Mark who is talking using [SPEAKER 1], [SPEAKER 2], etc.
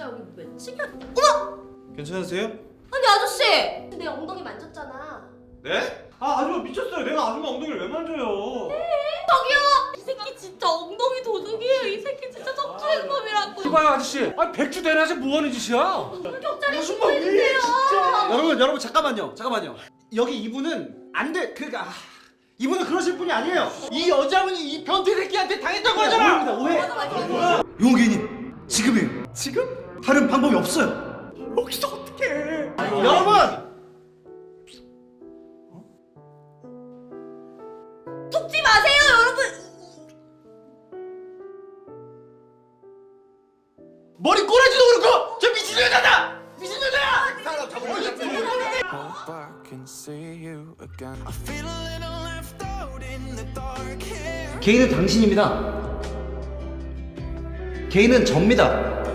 [SPEAKER 1] 여기 맺히게. 어머!
[SPEAKER 2] 괜찮으세요?
[SPEAKER 1] 아니 아저씨! 내 엉덩이 만졌잖아.
[SPEAKER 2] 네? 아 아줌마 미쳤어요. 내가 아줌마 엉덩이를 왜 만져요?
[SPEAKER 1] 저기요! 이 새끼 진짜 엉덩이 도둑이에요. 이 새끼 진짜 척추행범이라고.
[SPEAKER 3] 이봐요 아저씨. 아니 백주 대낮에 뭐 하는 짓이야?
[SPEAKER 1] 경찰에 신고해주세요.
[SPEAKER 4] 여러분 잠깐만요. 여기 이분은 안 돼. 그러니까 이분은 그러실 분이 아니에요. 이 여자분이 이 변태 새끼한테 당했던 거잖아. 오해입니다. 오해. 용기님 지금이에요. 지금? 다른 방법이 없어요. 여기서 어떻게 해? 여러분.
[SPEAKER 1] 속지 마세요 여러분.
[SPEAKER 4] 머리 꼬라지도 그렇고 저 미친 여자다. 미친 여자야. 사람 잡으러
[SPEAKER 5] Hope I can see you again. I feel a little left out in the dark here.
[SPEAKER 4] 개인은 당신입니다. 개인은 접니다.